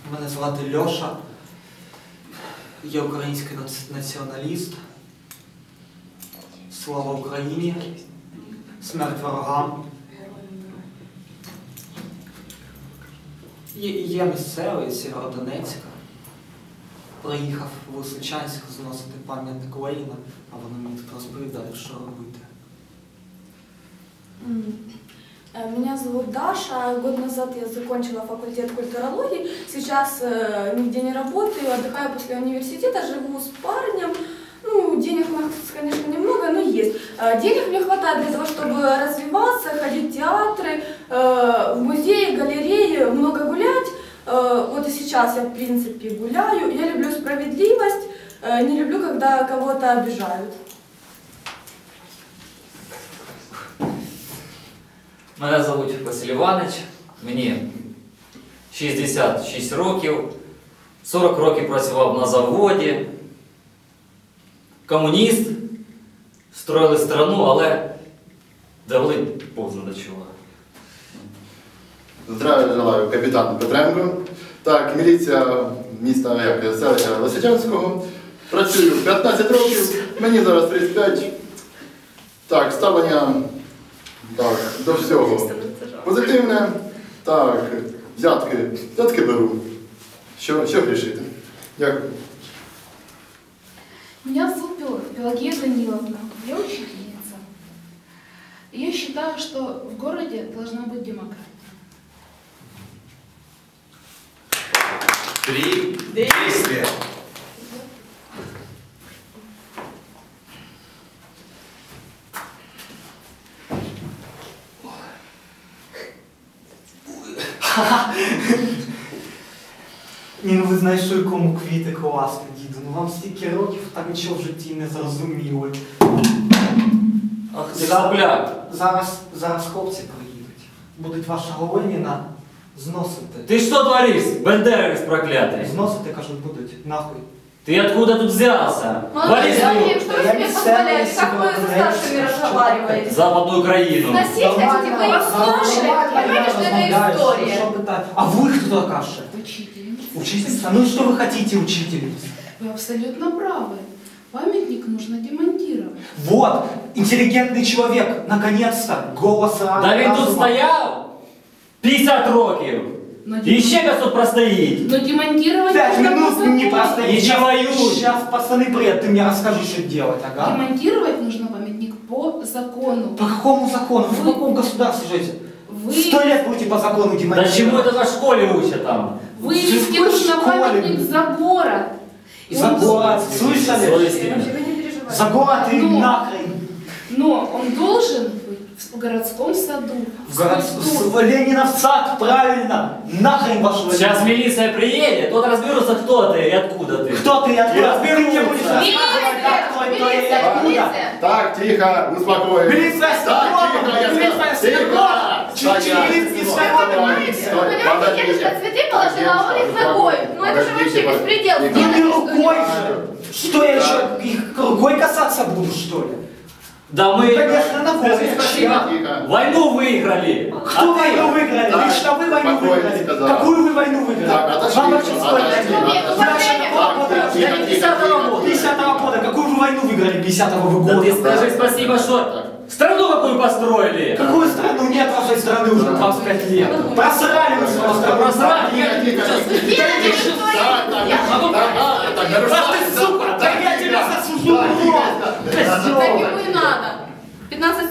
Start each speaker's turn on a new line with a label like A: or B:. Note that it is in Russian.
A: Мене звати Льоша. Я український націоналіст. Слава Україні. Смерть ворогам. Я місцевий з Сєвєродонецька. Приїхав в Лисичанськ зносити пам'ятник Леніна, а вони мені тут розповідають, що робити.
B: Меня зовут Даша. Год назад я закончила факультет культурологии. Сейчас нигде не работаю, отдыхаю после университета, живу с парнем. Ну, денег у нас, конечно, немного, но есть. Денег мне хватает для того, чтобы развиваться, ходить в театры, в музеи, галереи, много гулять. Вот и сейчас я, в принципе, гуляю. Я люблю справедливость, не люблю, когда кого-то обижают.
C: Мене звуть Василь Іванович, мені 66 років, 40 років працював на заводі, комуніст, строїли страну, але довели повзно до чого.
D: Здравия желаю, капітан Петренко. Так, міліція міста селища Лисичанського. Працюю 15 років, мені зараз 35. Так, ставлення до всього позитивне. Так, взятки беру. Що грішити? Дякую.
E: Меня зовут Пелагея Даниловна, я учительница. Я считаю, что в городе должна быть демократия.
F: 3 действия.
A: Ні, ну ви знайшли кому квіти класно, діду. Ну вам стільки років, так нічого в житті не зрозуміли.
C: Ах ти сопляк!
A: Зараз хлопці приїдуть. Будуть вашого Леніна зносити.
C: Ты что творишь, бандеровец проклятый?
A: Зносити, кажуть, будуть. Нахуй.
C: Ты откуда тут взялся?
B: Молодой человек, что вы
A: Я
B: себе
A: не
B: позволяете?
A: знаю,
B: Как вы со старшими разговариваете?
C: Западную Украину.
B: Носить хотите вы историю? Понимаете, что это история?
A: Що питати? А ви хто така ще?
E: Учительница.
A: Учительница? Ну и что вы хотите, учительница?
E: Вы абсолютно правы. Памятник нужно демонтировать.
A: Вот, интеллигентный человек, наконец-то, голос
C: Да він тут стояв 50 років. І ще раз тут простоїть.
E: Но демонтировать
A: 5
E: нужно
A: минут
E: по
A: не
E: закону.
A: простоит.
C: Иди воюй.
A: Сейчас пацаны приедут, ты мне расскажи, что делать, ага?
E: Демонтировать нужно памятник по закону.
A: По какому закону? Вы в каком государстве живете?
E: Вы
A: 100 лет будете по закону
C: Да
A: демонтировать.
C: чему это за школе учат там?
E: вывести
A: в
E: нужно
A: школе.
E: памятник за город. И
A: За
E: он
A: город, слышали?
C: Совестливо.
B: Вообще, вы не переживайте.
A: За город и
E: Ну.
A: нахрен.
E: Но он должен быть в городском саду.
A: В город... Ленинов сад, правильно. Нахрен вашего
C: Сейчас милиция приедет, тут разберутся, кто ты и откуда ты.
A: Кто ты и откуда?
C: Я
A: Ты мне будешь
C: разберусь.
A: рассказывать, как кто и кто и
B: Милиция,
A: откуда.
B: милиция.
D: Так, тихо, успокоїмось.
A: Милиция с
D: Так,
A: народом,
D: тихо, я
A: милиция
D: сказал.
A: с
D: Тихо!
A: народом. Чуть-чуть милиции с народом.
D: Стой,
B: Понимаете,
D: подождите.
B: дедушка цветы положила, а он их ногой. Ну это же вообще беспредел.
A: Ну
B: Сделали,
A: ты
B: что
A: рукой
B: ли?
A: же. Что я еще, их рукой касаться буду, что ли?
C: Да
A: Ну,
C: мы
A: конечно, ногой.
D: Тихо, тихо.
C: войну выиграли.
A: Кто войну выиграли?
D: Так,
A: Лично вы войну
D: спокойно
A: выиграли.
D: сказал.
A: Какую вы войну выиграли?
D: Так, отошли,
A: Вам вообще сколько лет?
D: отошли,
B: Нет, ну, последнего.
D: Так, тихо, тихо,
A: 50-го года. 50-го года. Какую вы войну выиграли 50-го вы
C: Да
A: года?
C: ты скажи спасибо, что страну какую построили.
A: Какую страну? Нет вашей страны уже 25 лет. Просрали вы свою страну.
C: Просрали.
D: Тихо, тихо, тихо.
B: Сделали, что творите.
A: Ах ты, сука! Да я тебя засужу!
B: Так ему и надо. 15